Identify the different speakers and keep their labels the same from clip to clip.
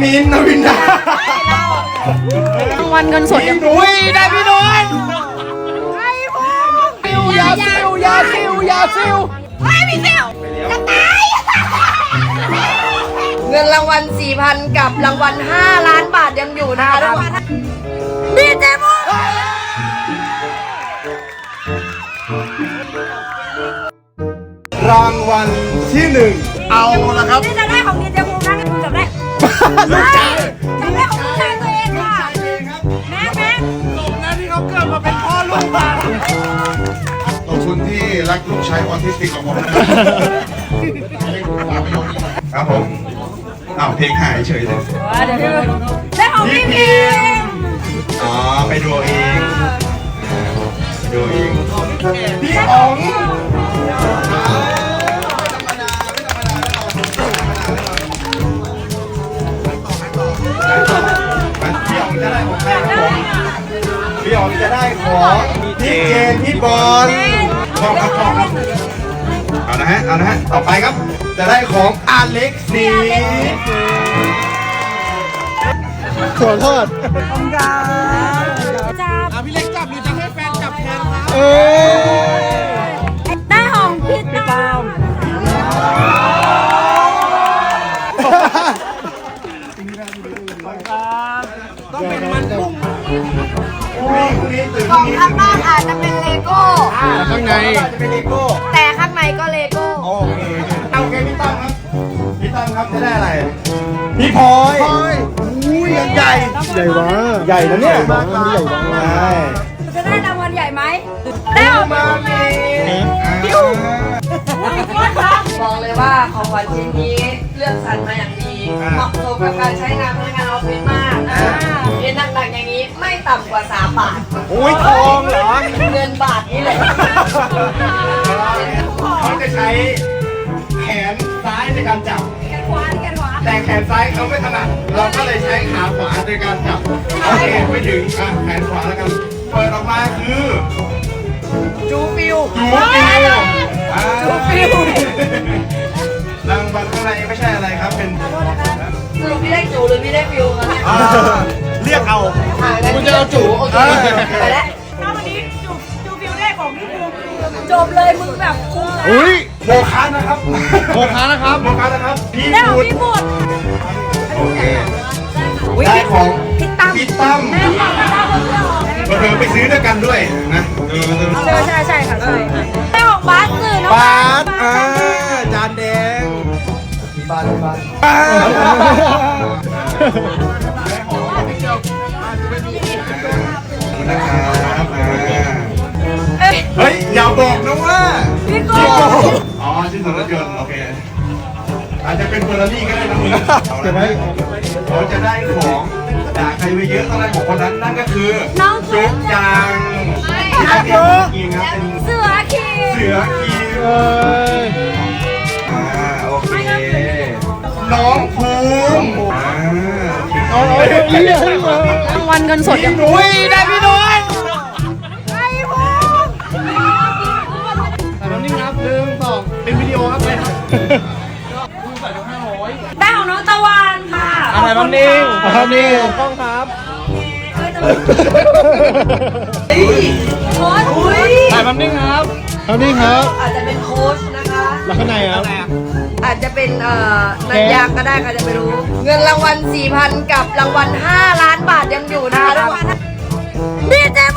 Speaker 1: มิ้นท์นวินดาร
Speaker 2: างวัลเงินสด
Speaker 1: พี่หนุ่ยได้พี่หนุ่ยซิวยาซิวยาซิวยาซิว
Speaker 2: ไม่มีเซลจะตาย
Speaker 3: เงินรางวัล 4,000 กับรางวัล 5 ล้านบาทยังอยู่นะคะทุกคนดีเจมู
Speaker 1: รางวัลที่หนึ่งเอาละครับ
Speaker 2: นี่จะได้ของดีเจมูนะนี่จับได้
Speaker 1: ลูกชาย
Speaker 2: จับได้ของลูกชายตัวเองค่ะแม่แม่
Speaker 1: สมแล้วที่เขาเกิดมาเป็นพ่อลูกมา
Speaker 4: ขอบคุณที่รักลูกชายออทิสติกของผมนะครับครับผมอ้าวเพลงหายเฉยเลย
Speaker 2: เดี๋ยวได้ของพี่พิม
Speaker 4: อ๋อไปดูเองไปดูเอง
Speaker 1: พี่อ๋อง
Speaker 4: พี่อ๋องจะได้ของใครครับผม
Speaker 1: พี่อ๋องจะได้ของพี่เจนพี่บอล
Speaker 4: ชอบครับชอบครับเอานะฮะเอานะฮะต่อไปครับ
Speaker 1: จะได้ของอเล็กซีขอโทษ
Speaker 2: จับ
Speaker 1: พี่เล็กจับหรือจะให้แฟนจับแทนครับ
Speaker 2: ได้ของพี่ตาม
Speaker 1: ต้องเป็นมันกุ้ง
Speaker 3: กล่องข้างนอกอาจจะเป็นเลโก้
Speaker 1: ข้างในจะเป็นเลโก้
Speaker 3: แต่ข้างในก็เลโก้
Speaker 1: โอเคเอาโอเคพี่ตั้มครับพี่ตั้มครับจะได้อะไรพี่พลอยอุ้ยยังใหญ่ใหญ่วะใหญ่นะเนี่ยมากใหญ่วะใช่
Speaker 2: จะได้รางวัลใหญ่ไหมได้ของ
Speaker 1: มามี
Speaker 3: บอกเลยว่าของขวัญชิ้นนี้เลือกสรรมาอย่างดีเหมาะสมกับการใช้งานพนักงานออฟฟิศมากเรียนหนักๆอย่างนี้ไม่ต่ำกว่า3 บาท
Speaker 1: โอ้ยทองเหรอ
Speaker 3: เงินบาทนี่แหละ
Speaker 4: เขาจะใช้แขนซ้ายในการจับ
Speaker 2: แขนขวาแขนขวา
Speaker 4: แต่แขนซ้ายเขาไม่ถนัดเราก็เลยใช้ขาขวาในการจับโอเคไม่ถึงอ่ะแขนขวาแล้วกันเปิดออกมาคือ
Speaker 3: จูฟิว
Speaker 4: จูฟิวรางวัลข้างในไม่ใช่อะไรครับเป็น
Speaker 3: สรุปพี่ได้จูหรือพี่ได้ฟิวคะเนี่ย
Speaker 1: เรียกเอา
Speaker 3: คุณจะเอาจูโอเคไปแล้ว
Speaker 2: ถ้าวันนี้จูฟิวได้ของพี่ภูมิจบเลยมึงแบบคุ้มนะ
Speaker 1: อุ้ย
Speaker 4: โมคานะครับ
Speaker 1: โมคานะครับ
Speaker 4: โมคานะครับพี่
Speaker 2: ได้ของ
Speaker 4: บุญ
Speaker 2: พี่บุตร
Speaker 4: โอเคได้ของ
Speaker 2: พี่ตั้ม
Speaker 4: พี่ตั้ม
Speaker 2: ได้ของพี่ตั้ม
Speaker 4: เธอไปซื้อด้วยกันด้วยนะ
Speaker 2: ใช่ค่ะใช่ได้ของบาสสื่อน้อง
Speaker 1: บาสจานแดงบาสบาส
Speaker 4: นะครับ
Speaker 2: เอ้ย
Speaker 4: เฮ้ยอย่าบอกนะว่า
Speaker 2: พี่โก้
Speaker 4: อ๋อชิ้นส่วนรถยนต์โอเคอาจจะเป็นเฟอร์รารี่ก็ได้นะมึงเอาละเขาจะได้ของด่าใครไปเยอะต้องได้ของคนนั้นนั่นก็คือ
Speaker 2: น้อง
Speaker 4: จุ๊บจังที่ได้เป็นกินครับเป็น
Speaker 2: เสือคี
Speaker 4: เสือคิวโอเคน้องภูมิ
Speaker 2: รางวัลเงินสด
Speaker 1: พี่หนุ่ยได้พี่หนุ่ย
Speaker 2: ไอ้ภูมิ
Speaker 1: แต่ตอนนี้ครับ1 2เป็นวิดีโอครับเลยครับ
Speaker 2: ได้ของน้องตะวันค่ะ
Speaker 1: อะไรบ้างนิ่งครับนิ่งกล้องครับ
Speaker 2: โค้ชอุ้ย
Speaker 1: ถ่ายแป๊บนึงครับแป๊บนึงครับ
Speaker 3: อาจจะเป็นโค้ชนะคะ
Speaker 1: แล้วข้างในครับ
Speaker 3: อาจจะเป็นนักยางก็ได้ใครจะไม่รู้ เงินรางวัล 4,000 กับรางวัล 5 ล้านบาทยังอยู่นะคะทุกคน
Speaker 2: ดีเจมู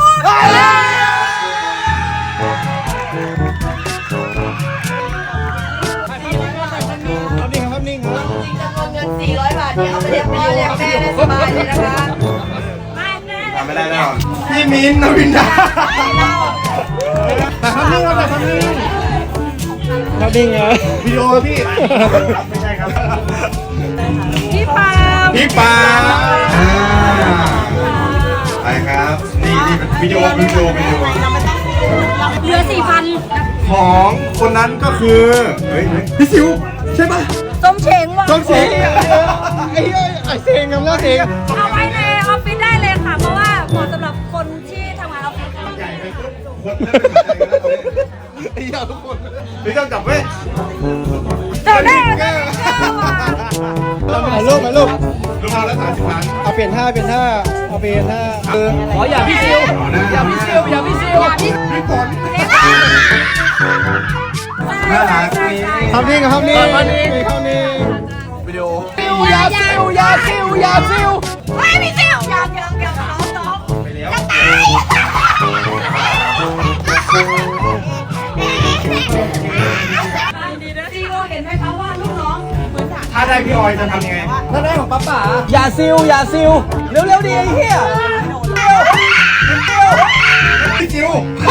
Speaker 1: ครับนิ่งครับ
Speaker 3: จริงจำนวนเงิน 400 บาทนี่เอาไปเลี้ยงพ่อเลี้ยงแม่ได้สบายเลยนะคะ
Speaker 4: ทำไม่ได้แน่นอน
Speaker 1: พี่มิ้นท์นวินดาแต่ครับนิ่งครับแต่ครับนิ่งครับนิ่งเหรอวิดีโอพี่
Speaker 4: ไม่ใช่ครับ
Speaker 2: พี่ปา
Speaker 1: พี่ปา
Speaker 4: ไปครับนี่เป็นวิดีโอเห
Speaker 2: ลือ 4,000
Speaker 4: ของคนนั้นก็คือเฮ้ย
Speaker 1: พี่ซิวใช่ป่ะ
Speaker 2: ส้มเชงว่ะ
Speaker 1: ต้องเสียงไอ้เซงกับแล้วเซง
Speaker 2: เอาไว้ในออฟฟิศได้เลยค่ะ เพราะว่าเหมาะสำหรับคนที่ทำงานออฟฟิศ
Speaker 4: ใหญ่ไปปุ๊บคนไอ้ยาทุกคนพี่ต้องจับไว้
Speaker 2: เดี๋ยวได้
Speaker 1: ถ่ายรูปถ่ายรูป
Speaker 4: รูปเอาแล้ว30 ล้าน
Speaker 1: เอาเปลี่ยนท่าเอาเปลี่ยนท่า
Speaker 5: ขออย่าพี่ซิวอย่าพี่ซิวอย่าพี่ซิว
Speaker 4: พี่ฝนน่ารักนี่
Speaker 1: ทำนี่กับทำนี่ทำนี่
Speaker 4: วิดีโอ
Speaker 5: อย่าซิวอย่าซิวอย่าซิว
Speaker 2: ไม่มีเซลยังน้อง
Speaker 4: ไปแล้ว
Speaker 2: จะตายซีโอเห็นไหมคะว่าลูกน้องเหมือนถัง
Speaker 4: ถ้าได้พี่ออยจะทำยังไง
Speaker 5: ถ้าได้ของป้าป๋าอย่าซิวอย่าซิวเร็วๆดิไอ้เหี้ย
Speaker 4: พี่จิว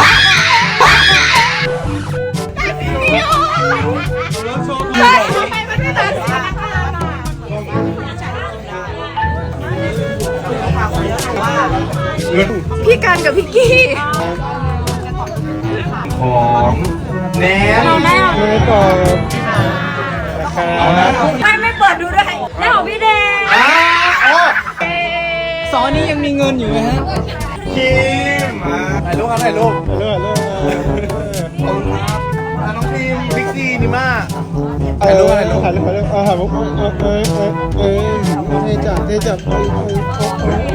Speaker 2: ใช่ทำไมมันไม่ทันค่ะ
Speaker 4: เงิน
Speaker 2: พี่กันกับพี่กี้
Speaker 4: ของแนน
Speaker 1: ไม่ตอบ
Speaker 4: เอาละ
Speaker 2: ไม่เปิดดูด้วยแล้วของพี่แดง
Speaker 5: ซอนี้ยังมีเงินอยู่ไหมฮะ
Speaker 4: คิมถ่ายรูปครับถ่ายรูป
Speaker 1: เลิก
Speaker 4: น้องพิมบิ๊กซีนิม่า
Speaker 1: ถ่ายรูปถ่ายรูปถ่ายรูปถ่ายรูปเท่จัด